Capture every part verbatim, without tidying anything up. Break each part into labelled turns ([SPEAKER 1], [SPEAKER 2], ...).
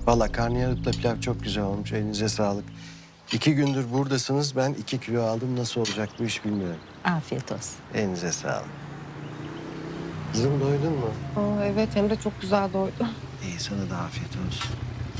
[SPEAKER 1] Vallahi karnıyarıkla pilav çok güzel olmuş. Elinize sağlık. İki gündür buradasınız. Ben iki kilo aldım. Nasıl olacak bu iş bilmiyorum.
[SPEAKER 2] Afiyet olsun.
[SPEAKER 1] Elinize sağlık. Kızım doydun mu?
[SPEAKER 3] Aa, evet hem de çok güzel doydu.
[SPEAKER 1] İyi, sana da afiyet olsun.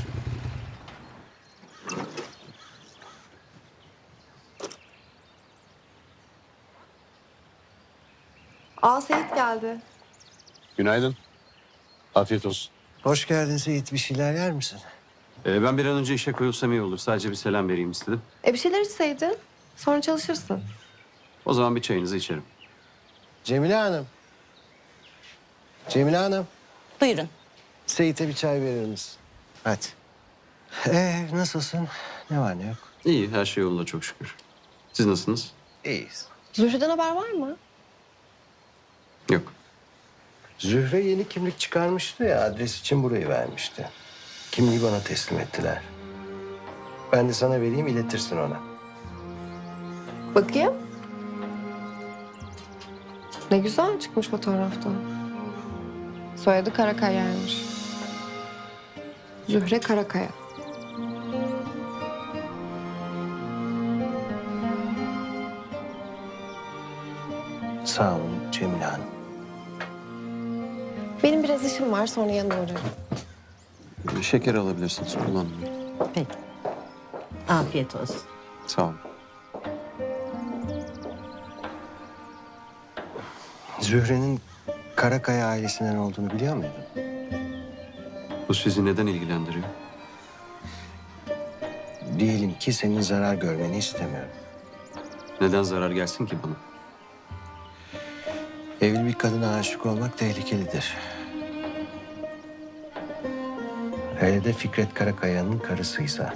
[SPEAKER 3] Aa Seyit geldi.
[SPEAKER 4] Günaydın. Afiyet olsun.
[SPEAKER 1] Hoş geldin Seyit. Bir şeyler yer misin?
[SPEAKER 4] Ee, ben bir an önce işe koyulsam iyi olur. Sadece bir selam vereyim istedim.
[SPEAKER 3] E bir şeyler içseydin. Sonra çalışırsın.
[SPEAKER 4] O zaman bir çayınızı içerim.
[SPEAKER 1] Cemile Hanım. Cemile Hanım.
[SPEAKER 2] Buyurun.
[SPEAKER 1] Seyit'e bir çay verir misin? Hadi. Ee, nasılsın? Ne var ne yok?
[SPEAKER 4] İyi, her şey yolunda çok şükür. Siz nasılsınız?
[SPEAKER 1] İyiyiz.
[SPEAKER 3] Zühre'den haber var mı?
[SPEAKER 4] Yok.
[SPEAKER 1] Zühre yeni kimlik çıkarmıştı ya, adres için burayı vermişti. Kimliği bana teslim ettiler. Ben de sana vereyim, iletirsin ona.
[SPEAKER 3] Bakayım. Ne güzel çıkmış fotoğrafta. Soyadı Karakaya'ymış. Zühre Karakaya.
[SPEAKER 1] Sağ olun Cemile Hanım.
[SPEAKER 3] Benim biraz işim var, sonra yanına uğrarım.
[SPEAKER 4] Ee, Şeker alabilirsiniz, kullanmayın.
[SPEAKER 2] Peki. Afiyet olsun.
[SPEAKER 4] Sağ olun.
[SPEAKER 1] Zühre'nin Karakaya ailesinden olduğunu biliyor muydun?
[SPEAKER 4] Bu sizi neden ilgilendiriyor?
[SPEAKER 1] Diyelim ki senin zarar görmeni istemiyorum.
[SPEAKER 4] Neden zarar gelsin ki bana?
[SPEAKER 1] Evli bir kadına aşık olmak tehlikelidir. Hele de Fikret Karakaya'nın karısıysa.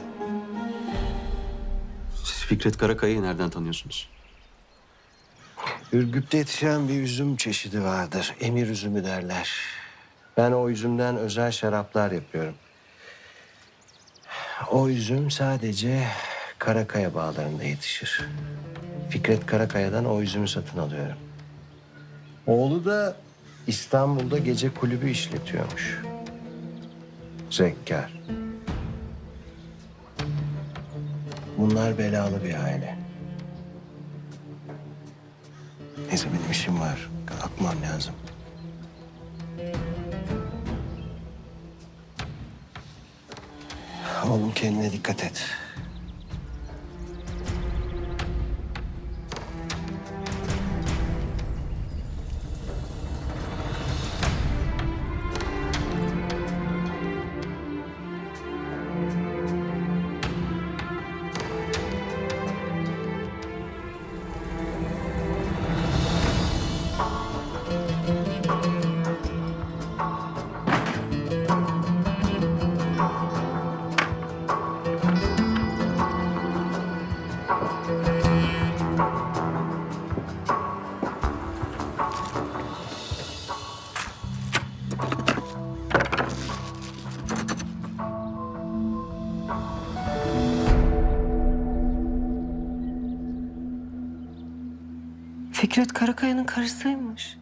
[SPEAKER 4] Siz Fikret Karakaya'yı nereden tanıyorsunuz?
[SPEAKER 1] Ürgüp'te yetişen bir üzüm çeşidi vardır. Emir üzümü derler. Ben o üzümden özel şaraplar yapıyorum. O üzüm sadece Karakaya bağlarında yetişir. Fikret Karakaya'dan o üzümü satın alıyorum. Oğlu da İstanbul'da gece kulübü işletiyormuş. Zekkar. Bunlar belalı bir aile. Neyse benim işim var. Kalkmam lazım. Oğlum kendine dikkat et.
[SPEAKER 3] Fikret Karakaya'nın karısıymış.